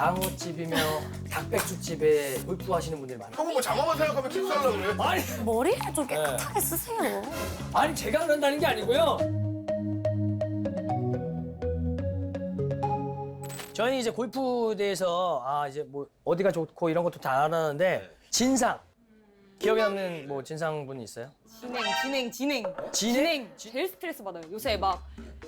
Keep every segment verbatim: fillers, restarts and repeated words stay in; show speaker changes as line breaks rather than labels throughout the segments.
장어집이며 닭백숙집에 골프 하시는 분들이 많아요.
형은 뭐 장어만 생각하면 킥살라고 그래?
아니,
머리를 좀 깨끗하게 쓰세요.
아니 제가 그런다는 게 아니고요. 저희는 이제 골프에 대해서 아 이제 뭐 어디가 좋고 이런 것도 다 알았는데 진상 기억에 남는 뭐 진상 분이 있어요?
진행, 진행, 진행.
진행?
제일 스트레스 받아요. 요새 막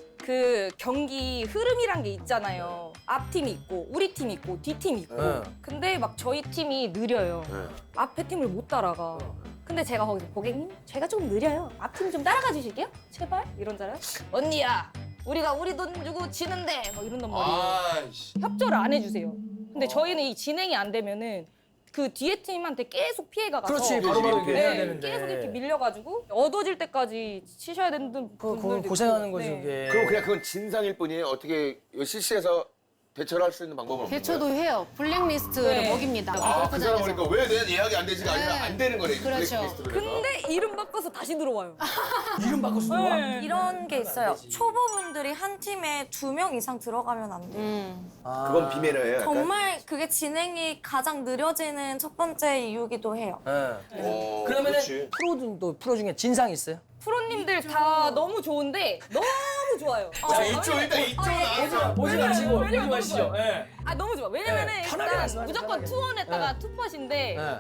그 경기 흐름이란 게 있잖아요. 앞팀이 있고 우리 팀이 있고 뒷팀이 있고.
네.
근데 막 저희 팀이 느려요.
네.
앞에 팀을 못 따라가. 근데 제가 거기서 고객님, 제가 좀 느려요. 앞팀 좀 따라가 주실게요. 제발. 이런잖아요. 언니야, 우리가 우리 돈 주고 지는데 막 이런단 말이에요.
아이씨.
협조를 안 해주세요. 근데 저희는 이 진행이 안 되면은 그 뒤에 팀한테 계속 피해가 가서
그렇지 바로바로 이렇게 해야
네,
되는데.
계속 이렇게 밀려가지고 얻어질 때까지 치셔야 되는
그,
분들도
그 고생하는
있고.
거지
네.
그게.
그럼 그냥 그건 진상일 뿐이에요. 어떻게 실시해서 대처를 할 수 있는 방법은 없는
대처도
거예요?
해요. 블랙리스트를
네.
먹입니다.
아, 그 사람
골프장에서.
보니까 왜 내 예약이 안 되지가 아니라
네.
안 되는 거네.
그렇죠.
블랙리스트로 해서.
근데 이름 바꿔서 다시 들어와요.
이름 바꿔서 들어와?
네.
이런 게 있어요.
안 되지.
초보분들이 한 팀에 두 명 이상 들어가면 안 돼요.
음.
아.
그건 비밀이에요. 약간?
정말 그게 진행이 가장 느려지는 첫 번째 이유기도 해요.
네.
어,
그러면은
그렇지.
프로도 프로 중에 진상 있어요?
프로님들 다 너무 좋은데 너무 좋아요.
자, 이쪽 일단 이쪽 나와서.
보지 마시고 보지
왜냐면
마시죠. 예.
아 너무 좋아. 왜냐면은
네, 편하게
일단
말씀하세요,
무조건
편하게.
투원했다가
네.
투퍼신데
예.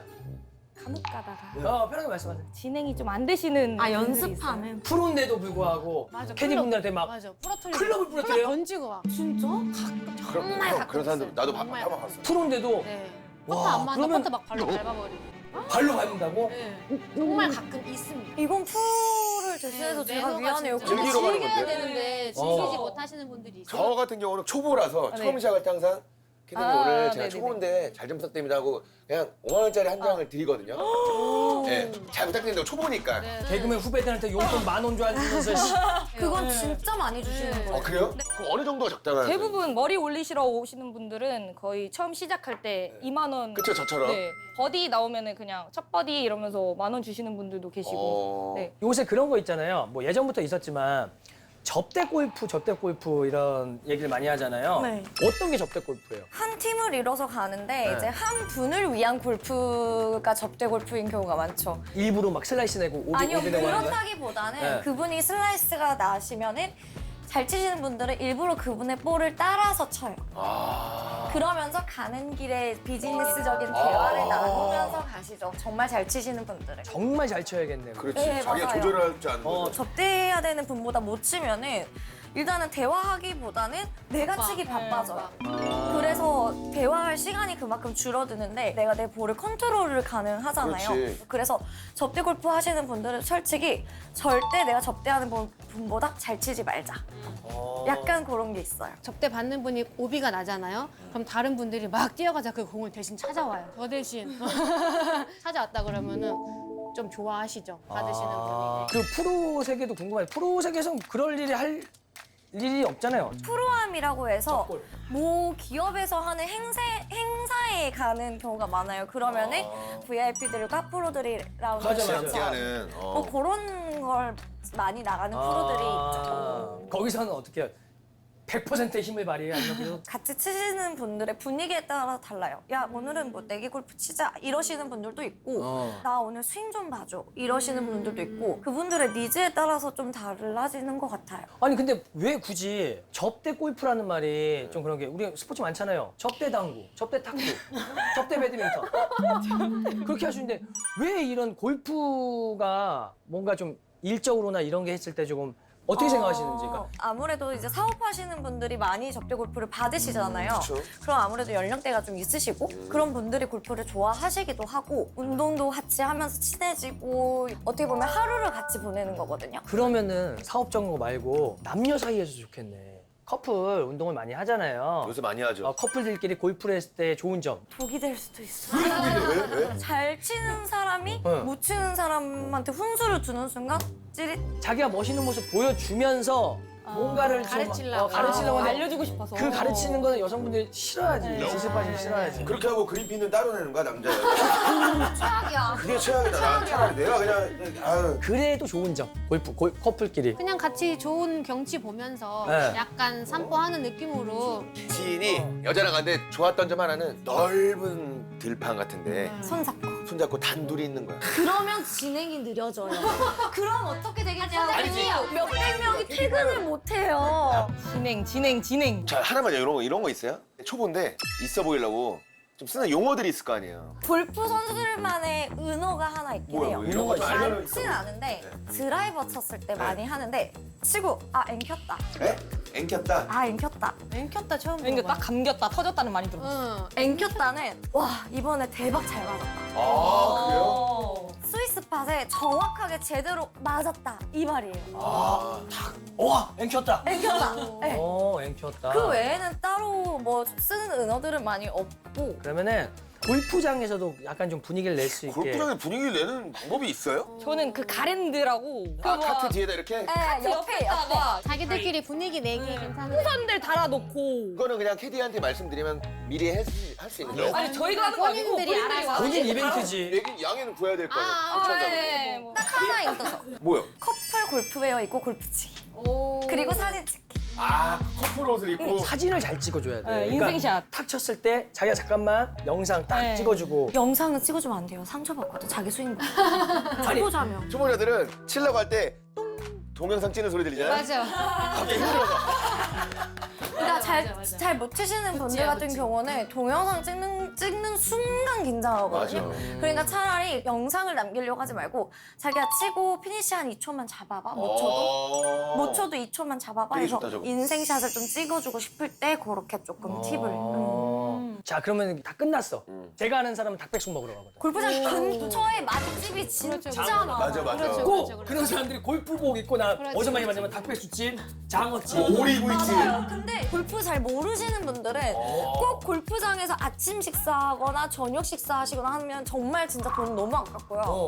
감옥 가다가
어 편하게 말씀하세요.
진행이 좀 안 되시는
아,
분들이 있어요.
연습하는.
프로인데도 불구하고
맞아.
캐디분들한테 막
맞아. 부러뜨리고.
클럽을 부러뜨려요?
던지고 와.
진짜?
그럼,
정말
형,
가끔
그런 사람들
있어요.
나도 봐-
정말
한번 봤어.
프로인데도
네.
와,
퍼터 안 맞아.
그러면-
퍼터 막 발로 밟아버리고.
발로 밟는다고?
네. 정말 가끔 있습니다.
이건 프로를 대신해서
네,
제가
매너가
미안해요.
진짜.
즐기러 가는
즐겨야
건데.
되는데
어.
즐기지 못하시는 분들이 있어요.
저 같은 경우는 초보라서
네.
처음 시작할 때 항상 캐디님
아,
오늘 제가
네네네.
초보인데 잘 좀 부탁드립니다 하고 그냥 오만 원짜리 한 장을 드리거든요. 네, 잘 부탁드립니다. 초보니까.
네.
개그맨 후배들한테 용돈 만 원 줘주면서 씨.
그건 진짜 많이 주시는
네.
거예요.
아 그래요? 그럼 어느 정도가 적당한?
대부분 머리 올리시러 오시는 분들은 거의 처음 시작할 때 이만 원.
그쵸, 저처럼.
네. 버디 나오면은 그냥 첫 버디 이러면서 만 원 주시는 분들도 계시고.
어...
네.
요새 그런 거 있잖아요. 뭐 예전부터 있었지만 접대 골프, 접대 골프 이런 얘기를 많이 하잖아요.
네.
어떤 게 접대 골프예요?
한 팀을 이뤄서 가는데
네.
이제 한 분을 위한 골프가 접대 골프인 경우가 많죠.
일부러 막 슬라이스 내고 오비
아니요,
오비 내고 하는 거예요?
그렇다기보다는
네.
그분이 슬라이스가 나시면은 잘 치시는 분들은 일부러 그분의 볼을 따라서 쳐요.
아...
그러면서 가는 길에 비즈니스적인 대화를 나누면서 가시죠. 정말 잘 치시는 분들은.
정말 잘 쳐야겠네요.
그렇지.
네,
자기가
맞아요.
조절할 줄 아는
어,
거죠.
접대해야 되는 분보다 못 치면은 일단은 대화하기보다는 내가
바빠.
치기 바빠져요.
아.
그래서 대화할 시간이 그만큼 줄어드는데 내가 내 볼을 컨트롤을 가능하잖아요.
그렇지.
그래서 접대 골프 하시는 분들은 솔직히 절대 내가 접대하는 분- 분보다 잘 치지 말자.
어.
약간 그런 게 있어요.
접대 받는 분이 오비가 나잖아요. 그럼 다른 분들이 막 뛰어가자 그 공을 대신 찾아와요. 저 대신 찾아왔다 그러면은 좀 좋아하시죠. 받으시는
아,
분이.
그 프로 세계도 궁금해요. 프로 세계에서는 그럴 일이 할 일이 없잖아요.
프로암이라고 해서
접골.
모 기업에서 하는 행사, 행사에 가는 경우가 많아요. 그러면은 브이아이피들과 프로들이랑
맞아, 맞아.
함께 하는.
뭐
어.
그런 걸 많이 나가는 프로들이 있죠.
아, 거기서는 어떻게 해요? 백 퍼센트의 힘을 발휘해 아니면 그래도
같이 치시는 분들의 분위기에 따라 달라요. 야, 오늘은 뭐 내기 골프 치자 이러시는 분들도 있고
어.
나 오늘 스윙 좀 봐줘 이러시는 분들도 있고 그분들의 니즈에 따라서 좀 달라지는 것 같아요.
아니 근데 왜 굳이 접대 골프라는 말이 좀 그런 게 우리 스포츠 많잖아요. 접대 당구, 접대 탁구, 접대 배드민턴 그렇게 하시는데 왜 이런 골프가 뭔가 좀 일적으로나 이런 게 했을 때 조금 어떻게 생각하시는지. 그러니까
아무래도 이제 사업하시는 분들이 많이 접대 골프를 받으시잖아요.
그쵸.
그럼 아무래도 연령대가 좀 있으시고 그런 분들이 골프를 좋아하시기도 하고 운동도 같이 하면서 친해지고 어떻게 보면 하루를 같이 보내는 거거든요.
그러면은 사업적인 거 말고 남녀 사이에서 좋겠네. 커플 운동을 많이 하잖아요.
요새 많이 하죠.
어, 커플들끼리 골프를 했을 때 좋은 점.
독이 될 수도 있어요.
왜? 왜?
잘 치는 사람이
네.
못 치는 사람한테 훈수를 주는 순간 찌릿.
자기가 멋있는 모습 보여주면서 뭔가를 좀
가르치려고.
어, 가르치려고 하는데
알려주고 싶어서.
그 가르치는 거는 여성분들이 싫어하지. 지식 빠지면 싫어하지.
그렇게 하고 그린피는 따로 내는 거야 남자야.
최악이야.
그게 최악이다. 난 차라리 내가 그냥 아유.
그래도 좋은 점. 골프 골, 커플끼리.
그냥 같이 좋은 경치 보면서
네.
약간 산보하는 느낌으로
지인이 여자랑 갔는데 좋았던 점 하나는 넓은 들판 같은데
손잡고.
손잡고 단둘이 있는 거야.
그러면 진행이 느려져요. 그럼 어떻게 되겠냐고.
아니지.
몇백 명이 퇴근을 못 해요.
진행, 진행, 진행.
자 하나만 이런 거 이런 거 있어요? 초보인데 있어 보이려고 좀 쓰는 용어들이 있을 거 아니에요.
골프 선수들만의 은어가 하나 있긴
뭐야
해요.
뭐 이런 거 좀 알려면
많지는 않은데
네.
드라이버 쳤을 때 많이 하는데 치고 아 앵켰다.
에? 앵켰다.
아 앵켰다.
앵켰다 처음
그러니까 딱
들어봐.
감겼다, 터졌다는 많이 들었어.
응.
앵켰다는 와 이번에 대박 잘 맞았다.
아 그래요?
어.
스위스 팟에 정확하게 제대로 맞았다 이 말이에요.
아
와 앵켰다.
앵켰다. 네.
어 앵켰다.
그 외에는 따로 뭐 쓰는 은어들은 많이 없고
그러면은 골프장에서도 약간 좀 분위기를 낼 수 있게.
골프장에 분위기를 내는 방법이 있어요?
저는 그 가랜드라고.
아
그
카트 뒤에다 이렇게?
네, 옆에 옆에
옆에다가
자기들끼리 분위기 내기 괜찮은.
풍선들 달아놓고.
그거는 그냥 캐디한테 말씀드리면 미리 할 수 있는 거예요?
아니 저희가 하는 거 아니고
본인들이 알아서.
본인 이벤트지.
얘긴 양해는 구해야 될 거 아니에요?
아,
아,
추천자분.
네. 뭐.
딱 하나 있어서
뭐요?
커플 골프웨어 입고 골프치기
오.
그리고 사진 찍기.
아 커플 옷을 입고
사진을 잘 찍어줘야 돼.
네, 인생샷.
탁 쳤을 때 자기가 잠깐만 영상 딱
네.
찍어주고.
영상은 찍어주면 안 돼요. 상처받거든 자기 스윙. 초보자면.
초보자들은 치려고 할 때 동영상 찍는 소리 들리잖아요?
맞아.
갑자기 힘들어서
그러니까 잘
맞아, 맞아.
잘 못 치시는 분들
그치야,
같은
그치.
경우는 동영상 찍는 찍는 순간 긴장하거든요.
맞아.
그러니까 차라리 영상을 남기려고 하지 말고 자기가 치고 피니시 한 이 초만 잡아봐. 못 쳐도
어.
못 쳐도 이 초만 잡아봐.
되게
해서
좋다, 저거.
인생샷을 좀 찍어주고 싶을 때 그렇게 조금 팁을. 음.
어. 자 그러면 다 끝났어.
음.
제가 아는 사람은 닭백숙 먹으러 가거든.
골프장 근처에 맛집이 진짜
그렇죠,
많아.
맞아 맞아.
그렇죠.
꼭
그렇죠.
그런 사람들이 골프복 입고 나
그렇죠,
어디서 많이
그렇죠.
만나면 닭백숙집, 장어집.
오리 구이집.
맞아요. 근데 골프 잘 모르시는 분들은 꼭 골프장에서 아침 식사하거나 저녁 식사하시거나 하면 정말 진짜 돈 너무 아깝고요.
어.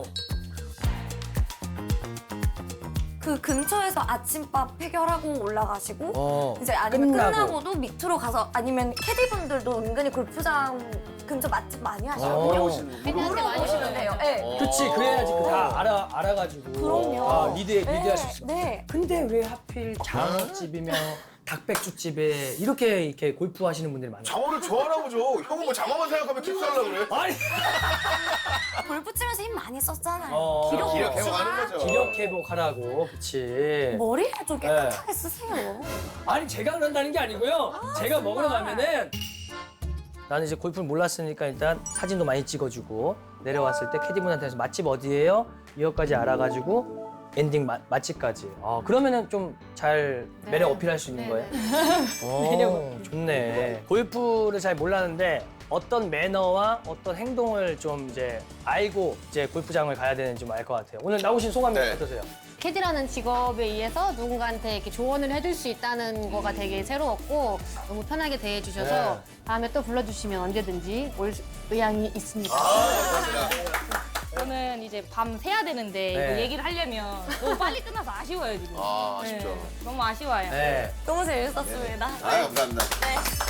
그 근처에서 아침밥 해결하고 올라가시고
어.
이제 아니면
끝나고.
끝나고도 밑으로 가서 아니면 캐디분들도 은근히 골프장 근처 맛집 많이 하시거든요.
어.
물어보시는
캐디한테 많이
보시면 돼요. 네.
그치 그래야지 그 다 알아 알아가지고.
그럼요.
아, 리드 리드할
네.
수 있어.
네.
근데 왜 하필 장어집이며 닭백숙집에 이렇게 이렇게 골프 하시는 분들이 많아요?
장어를 좋아하나 보죠. 형은 뭐 장어만 생각하면 킥살라고 그래?
아니
골프 치면서 힘 많이 썼잖아요.
어.
기록
기력
없지만
회복하는 거죠.
기력 회복하라고 그치.
머리를 좀
네.
깨끗하게 쓰세요.
아니 제가 그런다는 게 아니고요. 제가 먹으러 가면은 나는 이제 골프를 몰랐으니까 일단 사진도 많이 찍어주고 내려왔을 때 캐디분한테 맛집 어디예요? 이것까지 알아가지고 엔딩 마, 맛집까지. 아 그러면은 좀 잘 매력 어필할 수 있는 거예요. 오, 좋네. 골프를 잘 몰랐는데 어떤 매너와 어떤 행동을 좀 이제 알고 이제 골프장을 가야 되는지 좀 알 것 같아요. 오늘 나오신 소감이
네.
어떠세요?
캐디라는 직업에 의해서 누군가한테 이렇게 조언을 해줄 수 있다는 거가 되게 새로웠고 너무 편하게 대해주셔서
네.
다음에 또 불러주시면 언제든지 올 의향이 있습니다.
아 감사합니다.
저는 이제 밤 새야 되는데
네.
이거 얘기를 하려면 너무 빨리 끝나서 아쉬워요 지금.
아 아쉽죠.
네, 너무 아쉬워요.
네.
너무 재밌었습니다.
아 감사합니다.
네.